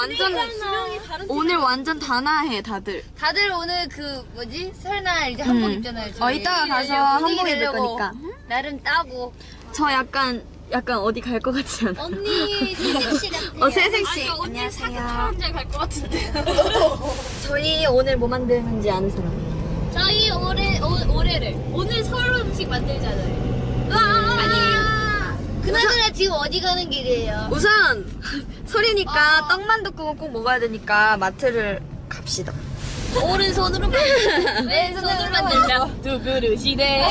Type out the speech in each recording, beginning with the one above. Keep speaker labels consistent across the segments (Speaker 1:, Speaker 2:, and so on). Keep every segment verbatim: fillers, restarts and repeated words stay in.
Speaker 1: 완전 오늘 완전 다나해 다들.
Speaker 2: 다들 오늘 그 뭐지 설날 이제 한복
Speaker 1: 음.
Speaker 2: 입잖아요.
Speaker 1: 어 이따가 가서 한복 입을
Speaker 2: 내려고
Speaker 1: 거니까.
Speaker 2: 나름 따고.
Speaker 1: 저 약간 약간 어디 갈 것 같지 않아?
Speaker 2: 언니 새색시 같아요.
Speaker 1: 어 새색시. 안녕하세요.
Speaker 3: 갈것 같은데.
Speaker 1: 저희 오늘 뭐 만드는지 아는 사람?
Speaker 3: 저희 올해 오, 올해를 오늘 서울 음식 만들잖아요. 아니에요?
Speaker 2: 그나저나 지금 어디 가는 길이에요?
Speaker 1: 우선 설이니까 떡만둣국은 꼭 먹어야 되니까 마트를 갑시다.
Speaker 3: 오른손으로 만들. 왼손으로 만들자. 두 그릇이네.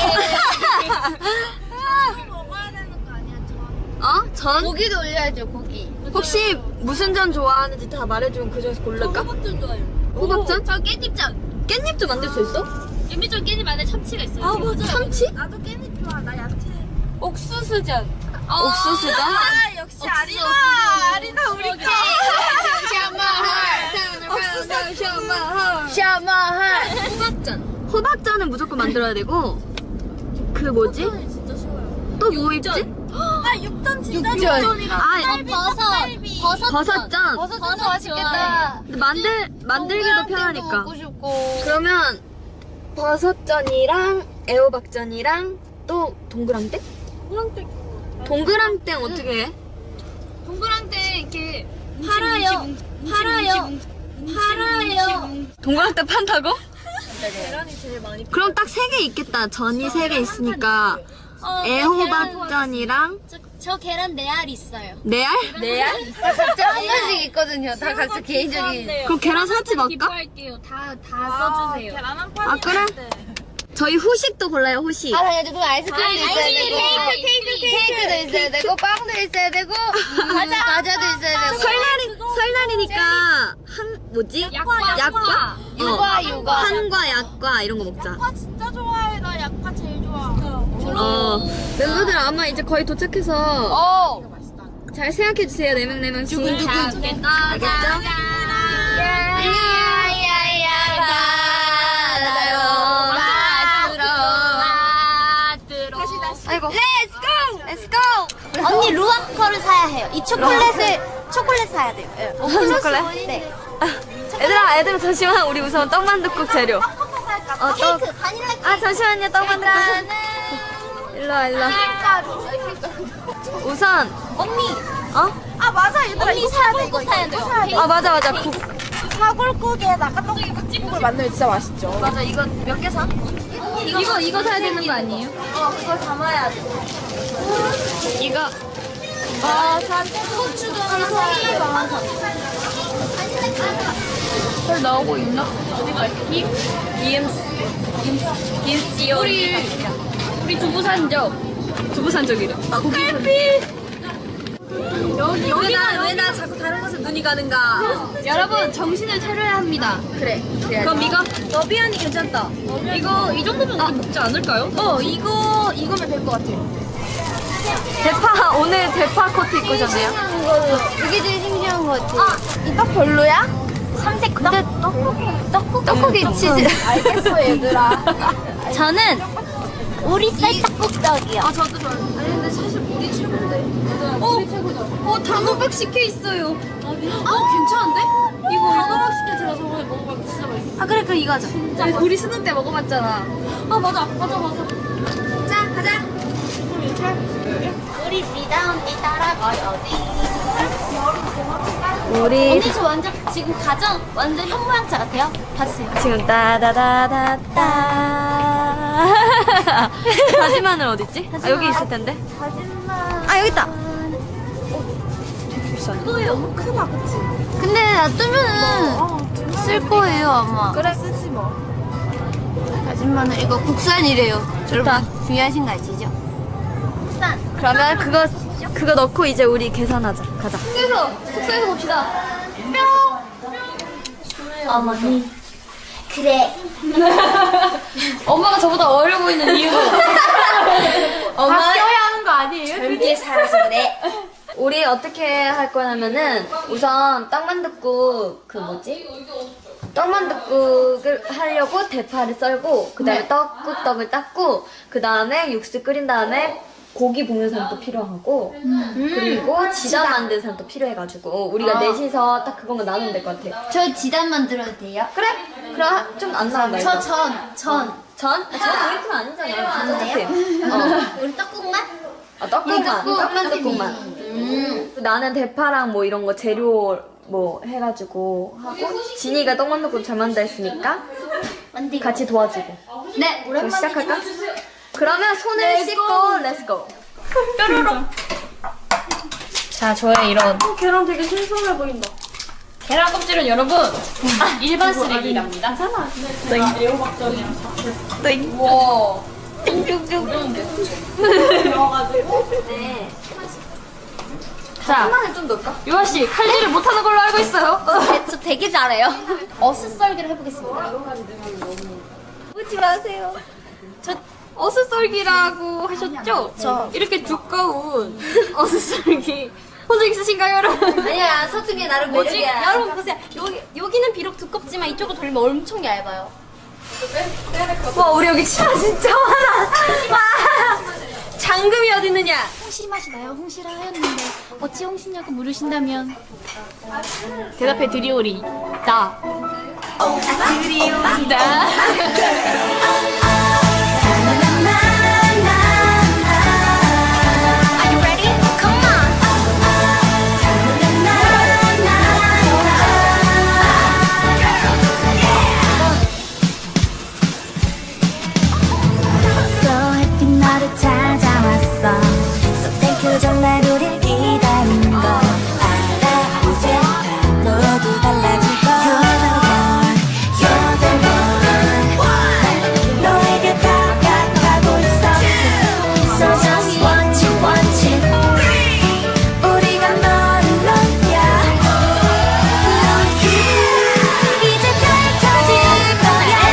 Speaker 1: 어? 전?
Speaker 2: 고기도 올려야죠 고기.
Speaker 1: 혹시 무슨 전 좋아하는지 다 말해주면 그 중에서 고를까?
Speaker 3: 호박전 좋아요.
Speaker 1: 호박전?
Speaker 3: 저 깻잎전.
Speaker 1: 깻잎도 만들 수 있어?
Speaker 3: 깻잎전 깻잎 안에 참치가 있어요.
Speaker 1: 아 맞아. 참치?
Speaker 4: 나도 깻잎 좋아. 나 야채.
Speaker 3: 옥수수전.
Speaker 1: 옥수수다?
Speaker 4: 아 역시 아리나. 아리나 우리 거.
Speaker 2: 샤마할. 샤마할.
Speaker 1: 호박전. 호박전은 무조건 만들어야 되고 그 뭐지?
Speaker 4: 진짜 쉬워요.
Speaker 1: 또 뭐 있지?
Speaker 4: 아 육전 진짜
Speaker 2: 육전.
Speaker 4: 육전이랑
Speaker 1: 아
Speaker 3: 버섯. 버섯.
Speaker 1: 버섯전.
Speaker 2: 버섯도 맛있겠다.
Speaker 1: 근데 만들 만들기도 편하니까.
Speaker 2: 먹고 싶고.
Speaker 1: 그러면 버섯전이랑 애호박전이랑 또 동그랑땡?
Speaker 4: 동그랑땡.
Speaker 1: 동그랑땡 어떻게 해?
Speaker 3: 동그랑땡 이렇게
Speaker 2: 팔아요. 팔아요. 팔아요.
Speaker 1: 동그랑땡 판다고?
Speaker 4: 계란이 제일 많이.
Speaker 1: 그럼 딱 세 개 있겠다. 전이 세 개 있으니까
Speaker 3: 어,
Speaker 1: 애호박전이랑
Speaker 3: 저, 저 계란 네 알 있어요.
Speaker 1: 네 알?
Speaker 2: 네 알? 각자 한 가지 있거든요. 다 각자 개인적인.
Speaker 1: 그럼 계란 사지 말까?
Speaker 3: 기부할게요. 다, 다 써주세요.
Speaker 4: 계란 한 판.
Speaker 1: 아 그래? 저희 후식도 골라요 후식.
Speaker 2: 아, 당연히 그럼 아이스크림도
Speaker 3: 아,
Speaker 2: 있어야
Speaker 3: 아이스크림,
Speaker 2: 되고,
Speaker 3: 케이크, 케이크,
Speaker 2: 케이크도 있어야 되고, 빵도 있어야 되고, 과자, 과자도 있어야 되고.
Speaker 1: 설날이 설날이니까 한 뭐지?
Speaker 3: 약과,
Speaker 1: 약과?
Speaker 2: 육아,
Speaker 1: 어.
Speaker 2: 육아.
Speaker 1: 한과 약과 이런 거 먹자.
Speaker 4: 약과 진짜 좋아해. 나 약과 제일 좋아.
Speaker 1: 어. 멤버들 아마 이제 거의 도착해서
Speaker 2: 어.
Speaker 1: 잘 생각해 주세요. 네 명 네 명씩.
Speaker 3: 두근두근.
Speaker 1: 알겠죠?
Speaker 2: 야야야, 바다로 맞들어.
Speaker 3: 다시, 다시.
Speaker 1: 아이고. Let's go. Let's go.
Speaker 2: 언니, 루아커를 사야 해요. 이 초콜릿을, 초콜릿 사야 돼요. 예.
Speaker 1: 초콜릿?
Speaker 2: 네.
Speaker 1: 얘들아, 얘들아 잠시만. 우리 우선 떡만둣국 재료. 어, 떡.
Speaker 2: 케이크, 바닐라 케이크.
Speaker 1: 아 잠시만요. 떡만둣국. 일로 와, 일로 와. 우선
Speaker 2: 언니,
Speaker 1: 어?
Speaker 4: 아 맞아 얘들아.
Speaker 2: 언니 사야 돼, 이거 사야 돼요.
Speaker 1: 아 맞아 맞아. 국.
Speaker 4: 사골국에다가 떡국을 만들면 진짜 맛있죠.
Speaker 1: 맞아. 이거 몇 개 사?
Speaker 3: 이거, 이거 사야 되는 거 아니에요?
Speaker 1: 어, 그걸 담아야 돼. 이거.
Speaker 2: 아, 고추도 하나 사야 돼요.
Speaker 3: 잘 나오고 있나?
Speaker 1: 이엠씨. 김치.
Speaker 3: 우리, 우리 두부 산적.
Speaker 1: 두부 산적이래. 아, 고기. 여기 여기나 왜 나 자꾸 다른 곳에 눈이 가는가?
Speaker 3: 여러분, 정신을 차려야 합니다.
Speaker 1: 그래. 그럼 이거 너비안이 괜찮다.
Speaker 3: 이거, 이 정도면 우리 먹지 않을까요?
Speaker 1: 어 이거 이거면 될 것 같아. 대파 오늘 대파 코트 입고 오셨네요.
Speaker 2: 이게 제일 신기한 것 같아. 이거 별로야? 삼색 근데 떡국, 떡국? 떡국이 치즈.
Speaker 4: 알겠어 얘들아.
Speaker 2: 저는 오리쌀 떡국떡이요.
Speaker 1: 아 저도 좋아요. 아니 근데 사실 우리 최고인데. 어, 우리 최고죠. 어 단호박 식혜 있어요. 어 괜찮은데? 이거 단호박 식혜 제가 저번에 먹어봤는데 진짜 맛있어.
Speaker 2: 아 그래 그 이거 하자.
Speaker 1: 우리, 우리 수능 때 먹어봤잖아. 아 맞아 맞아 맞아. 자 가자.
Speaker 2: 우리 리다 언니 따라가야지.
Speaker 1: 우리
Speaker 2: 언니 저 완전 지금 가정 완전 현모양차 같아요. 봐주세요.
Speaker 1: 지금 따다다다다. 다시마늘 어딨지? 아 여기 있을 텐데.
Speaker 2: 거짓말.
Speaker 1: 아 여기 있다.
Speaker 2: 그거에 너무 크다 그치? 근데 놔두면은 쓸 거예요 아마.
Speaker 4: 그래 쓰지 뭐.
Speaker 2: 다진마늘 이거 국산이래요. 여러분 중요하신 거 아시죠? 국산.
Speaker 1: 그러면 그거 그거 넣고 이제 우리 계산하자. 가자.
Speaker 3: 숙소에서, 숙소에서 봅시다.
Speaker 2: 어머니. 그래.
Speaker 3: 엄마가 저보다 어려 보이는 이유가.
Speaker 1: 엄마
Speaker 4: 하는 거 아니에요?
Speaker 2: 젊게 살아서 그래.
Speaker 1: 우리 어떻게 할 거냐면은 우선 떡만둣국 그 뭐지? 떡만둣국을 하려고 대파를 썰고 그 다음에 떡국떡을 닦고 그 다음에 육수 끓인 다음에 고기 볶는 사람도 필요하고 그리고 지단 만드는 사람도 필요해가지고 우리가 넷이서 딱 그것만 나누면 될 것 같아.
Speaker 2: 저 지단 만들어도 돼요?
Speaker 1: 그래? 그럼 좀 안 나온다.
Speaker 2: 저
Speaker 1: 이거.
Speaker 2: 전, 전.
Speaker 1: 전? 전 우리 팀 아니잖아.
Speaker 2: 안
Speaker 1: 진짜
Speaker 2: 돼요?
Speaker 1: 팀. 어.
Speaker 2: 우리 떡국만?
Speaker 1: 아, 떡국만. 떡만 떡국만.
Speaker 2: 음.
Speaker 1: 나는 대파랑 뭐 이런 거 재료 뭐 해가지고 하고 진이가 떡만 떡국 잘 만다 했으니까
Speaker 2: 만들고.
Speaker 1: 같이 도와주고.
Speaker 2: 네.
Speaker 1: 그럼 시작할까? 그러면 손을 씻고 렛츠고. 뾰로롱. 자, 저의 이런
Speaker 4: 계란 되게 신선해 보인다.
Speaker 3: 계란 껍질은 여러분 일반 쓰레기랍니다.
Speaker 1: 땡.
Speaker 3: 와.
Speaker 1: 네.
Speaker 3: 자,
Speaker 1: 하나는 좀 넣을까?
Speaker 3: 유아 씨 칼질을 못하는 걸로 알고 있어요.
Speaker 2: 네, 저 되게 잘해요. 어슷썰기를 해보겠습니다.
Speaker 1: 웃지 마세요.
Speaker 3: 저 어슷썰기라고 하셨죠?
Speaker 2: 저.
Speaker 3: 이렇게 두꺼운 어슷썰기 혼자 있으신가요, 여러분?
Speaker 2: 아니야, 서투기 나름
Speaker 3: 뭐지?
Speaker 2: 매력이야.
Speaker 3: 여러분 보세요. 여기 여기는 비록 두껍지만 이쪽으로 돌리면 엄청 얇아요.
Speaker 1: 와, 우리 여기 치마 진짜 많아. 와, 장금이 어디 있느냐?
Speaker 3: 홍시 맛이 나요. 홍시라 하였는데 어찌 홍시냐고 물으신다면 대답해 드리오리. 나. 드리오리. 나.
Speaker 2: Are you ready? Come on.
Speaker 5: So 햇빛 너를 찾아왔어 So thank you 정말 우릴 기다린 거 알아 이제 다 모두 달라질 거 You're the one, you're the one 너에게 다가가고 있어 So just want you, want you 우리가 너를 넘겨 Love you 이제 별 터질 거야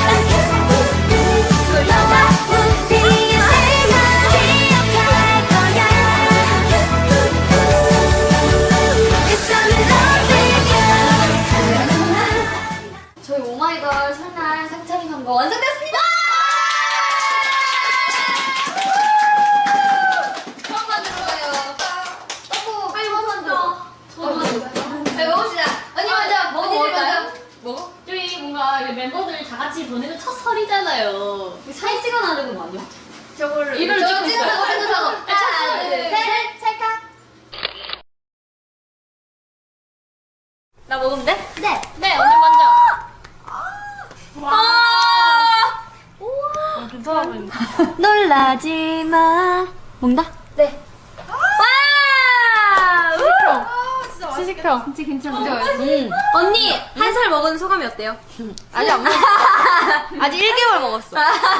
Speaker 5: 너와 우리의 세상 기억할 거야 Cause I'm in love with you
Speaker 2: 저희 오마이걸 설날 상차림 한거 완성됐습니다! 처음 만든 거예요. 떡국 빨리 뭐 만들어. 저도 만들어. 자, 먹읍시다. 언니 먼저, 언니 먼저.
Speaker 3: 뭐? 저희 뭔가 멤버들 다 같이 보내는 첫 설이잖아요.
Speaker 2: 사진 찍어놔는 거 아니야?
Speaker 3: 저거를
Speaker 2: 이걸
Speaker 3: 찍고
Speaker 2: 찍어서
Speaker 3: 있어요.
Speaker 2: 생각하고. 하나, 둘, 셋, 찰칵.
Speaker 1: 나 먹으면 돼?
Speaker 2: 네.
Speaker 3: 네, 언니 먼저.
Speaker 1: 아!
Speaker 3: 괜찮아 보인다.
Speaker 1: 놀라지 마. 먹나?
Speaker 2: 네.
Speaker 1: 와!
Speaker 3: 시식평.
Speaker 2: 진짜 괜찮죠?
Speaker 1: 음. 언니, 한 살 먹은 소감이 어때요? 아직 안 먹었어. 아직 일 개월 먹었어.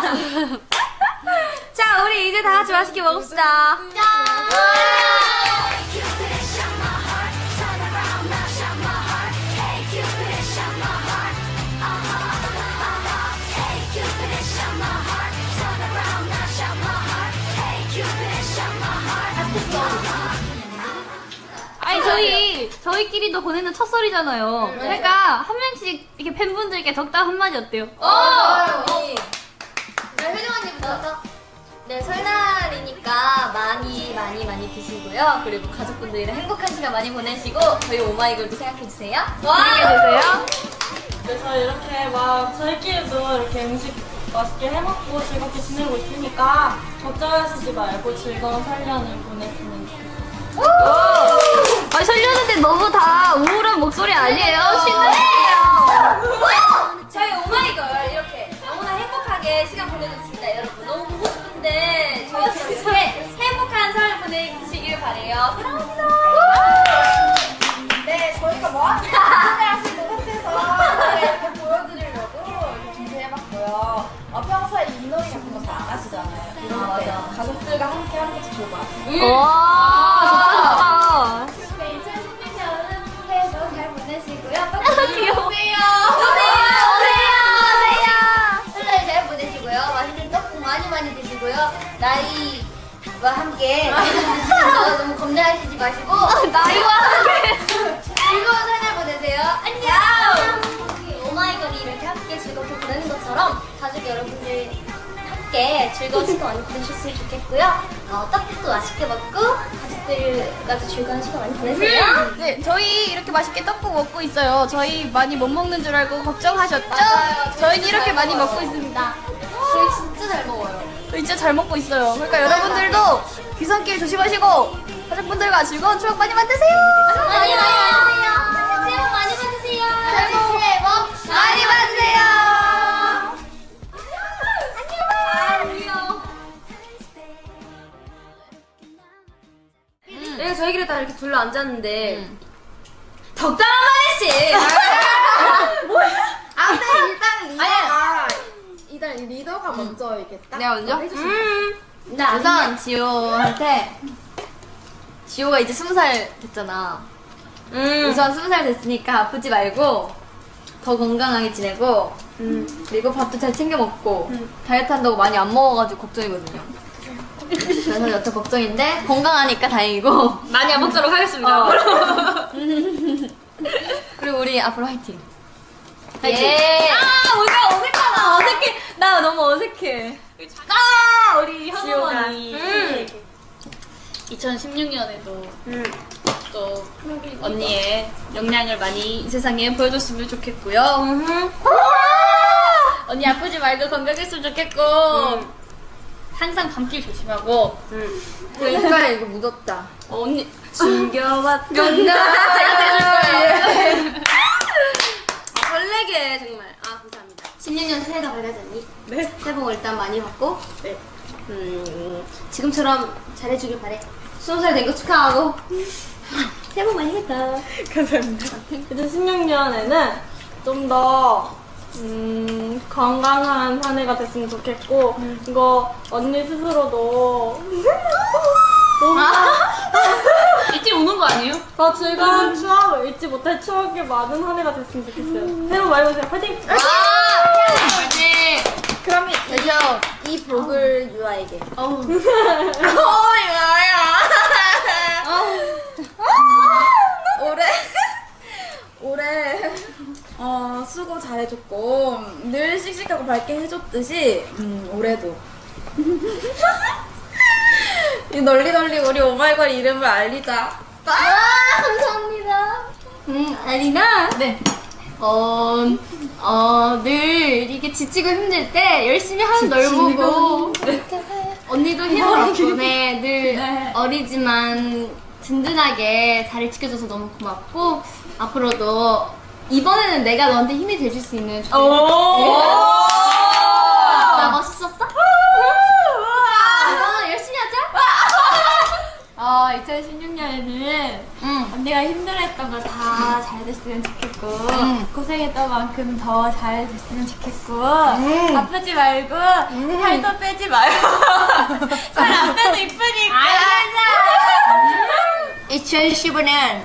Speaker 1: 자, 우리 이제 다 같이 맛있게 먹읍시다.
Speaker 3: 아니 저희 저희끼리도 보내는 첫 설이잖아요. 그러니까 한 명씩 이렇게 팬분들께 적당 한마디 어때요?
Speaker 2: 네, 효정 언니부터.
Speaker 1: 네, 설날이니까 많이 많이 많이 드시고요. 그리고 가족분들이랑 행복한 시간 많이 보내시고 저희 오마이걸도 생각해주세요.
Speaker 3: 재밌게 드세요.
Speaker 4: 그래서 이렇게 막 저희끼리도 이렇게 음식 맛있게 해먹고 즐겁게 지내고 있으니까 걱정하시지 말고 즐거운 설년을 보냈으면 좋겠어요.
Speaker 3: 아 설레는데 너무 다 우울한 목소리 아니에요? 신나요.
Speaker 1: 저희 오마이걸 이렇게 너무나 행복하게 시간 보내줬습니다, 여러분. 너무 보고 싶은데 저희처럼 이렇게 행복한 설 보내시길 바래요. 사랑합니다.
Speaker 4: 네, 저희가 뭐 하는지 하실 것 같아서 이렇게 보여드리려고 이렇게 준비해봤고요. 어, 평소에 윷놀이 같은 거 잘 안 하시잖아요. 이런 때 가족들과 함께 하는 것도 좋을 것 같아요.
Speaker 3: 와 좋다 좋다.
Speaker 2: 네, 이천십육 년은 새해도 잘 보내시고요. 떡볶이
Speaker 3: 귀여워.
Speaker 2: 오세요.
Speaker 1: 오세요, 오세요.
Speaker 2: 설날 잘 보내시고요. 맛있는 떡국 많이 많이 드시고요. 나이와 함께 드시는 거 너무 겁내하시지 마시고
Speaker 3: 나이와 함께.
Speaker 2: 즐거운 설날 보내세요. 안녕. 오마이걸이 이렇게 함께 즐겁게 보내는 것처럼 가족 여러분들 함께 즐거운 시간 많이 보내셨으면 좋겠고요. 어, 떡국도 맛있게 먹고 가족들과도 즐거운 시간 많이 보내세요.
Speaker 3: 네, 저희 이렇게 맛있게 떡국 먹고 있어요. 저희 많이 못 먹는 줄 알고 걱정하셨죠?
Speaker 4: 맞아요. 저희
Speaker 3: 저희는
Speaker 4: 진짜
Speaker 3: 이렇게
Speaker 4: 잘
Speaker 3: 많이
Speaker 4: 먹어요.
Speaker 3: 먹고 있습니다.
Speaker 4: 저희 진짜 잘 먹어요.
Speaker 3: 저희 진짜 잘 먹고 있어요. 그러니까 여러분들도 귀성길 조심하시고 가족분들과 즐거운 추억 많이 만드세요.
Speaker 2: 많이 많이 받으세요. 새해 복 많이 받으세요. 새해 복 많이 받으세요.
Speaker 1: 내가 저희끼리 다 이렇게 둘러 앉았는데 덕담 한마디씩.
Speaker 4: 아, 근데 일단 리더가 일단 리더가 먼저 이렇게 딱
Speaker 1: 내가 먼저?
Speaker 4: 해주시면
Speaker 1: 나 우선 지호한테 지호가 이제 스무 살 됐잖아. 우선 스무 살 됐으니까 아프지 말고 더 건강하게 지내고 그리고 밥도 잘 챙겨 먹고 다이어트 한다고 많이 안 먹어가지고 걱정이거든요. 그래서 여튼 걱정인데 건강하니까 다행이고
Speaker 3: 많이 안 먹도록 하겠습니다.
Speaker 1: 어. 그리고 우리 앞으로 화이팅. 화이팅.
Speaker 2: 예.
Speaker 1: 아 우리가 어색하다. 어색해. 나 너무 어색해.
Speaker 3: 아, 우리
Speaker 1: 지호가.
Speaker 3: 현우언니
Speaker 1: 음.
Speaker 3: 이천십육 년에도 또 언니의 역량을 많이 이 세상에 보여줬으면 좋겠고요. 언니 아프지 말고 건강했으면 좋겠고 항상 감기 조심하고
Speaker 1: 그러니까 이거 묻었다.
Speaker 3: 어, 언니 숨겨왔던
Speaker 1: 제가
Speaker 3: 대줄 거예요.
Speaker 1: 설레게 정말. 아 감사합니다.
Speaker 2: 십육 년 새해가 밝아졌니?
Speaker 3: 네.
Speaker 2: 새해 복 일단 많이 받고
Speaker 3: 네.
Speaker 2: 음, 지금처럼 잘해주길 바래. 스무 살 된 거 축하하고 새해 복 많이 했다.
Speaker 3: 감사합니다.
Speaker 4: 이천십육 년에는 좀 더 음, 건강한 한 해가 됐으면 좋겠고 이거 언니 스스로도
Speaker 3: 이때 우는 거 아니에요?
Speaker 4: 더 즐거운 추억을 잊지 못할 추억이 많은 한 해가 됐으면 좋겠어요. 새해 복 많이 받으세요. 파이팅!
Speaker 3: 화이팅!
Speaker 4: 그럼
Speaker 1: 그래서
Speaker 4: 이 복을 유아에게.
Speaker 1: 어우
Speaker 4: 올해 올해 어, 수고 잘해줬고 늘 씩씩하고 밝게 해줬듯이 음, 올해도 이 널리 널리 우리 오마이걸 이름을 알리자.
Speaker 2: 아, 감사합니다. 음, 아리나.
Speaker 1: 네.
Speaker 2: 어, 어, 늘 이게 지치고 힘들 때 열심히 하는 널 보고 언니도 힘을 덕분에 늘 어리지만 든든하게 자리를 지켜줘서 너무 고맙고 앞으로도 이번에는 내가 너한테 힘이 돼줄 수 있는 좋은 나 멋있었어? 아, 열심히 하자.
Speaker 3: 어, 이천십육 년에는
Speaker 2: 응.
Speaker 3: 언니가 힘들어했던 거 다 잘 됐으면 좋겠고 고생했던 만큼 더 잘 됐으면 좋겠고 아프지 말고 살도 빼지 말고 살 안 빼도 이쁘니까
Speaker 2: 이천십오 년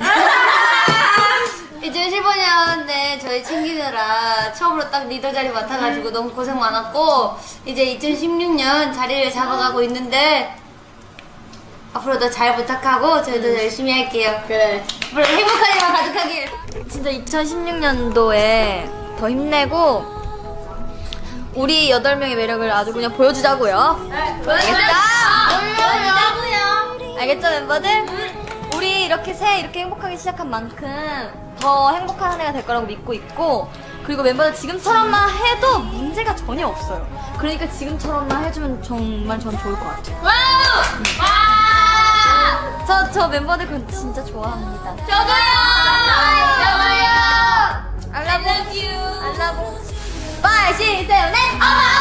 Speaker 2: 이천십오 년에 저희 챙기느라 처음으로 딱 리더 자리 맡아가지고 너무 고생 많았고 이제 이천십육 년 자리를 잡아가고 있는데 앞으로도 잘 부탁하고 저희도 열심히 할게요. 그래. 앞으로 행복한 일만 가득하길.
Speaker 1: 진짜 이천십육 년도에 더 힘내고 우리 여덟 명의 매력을 아주 그냥 보여주자고요. 알겠죠?
Speaker 2: 보여주자고요.
Speaker 1: 알겠죠 멤버들? 우리 이렇게 새해 이렇게 행복하게 시작한 만큼 더 행복한 한 해가 될 거라고 믿고 있고 그리고 멤버들 지금처럼만 해도 문제가 전혀 없어요. 그러니까 지금처럼만 해주면 정말 전 좋을 것 같아요. 저, 저 멤버들 그건 진짜 좋아합니다.
Speaker 2: 저도요.
Speaker 1: I love you. I love you. five, six, seven, eight.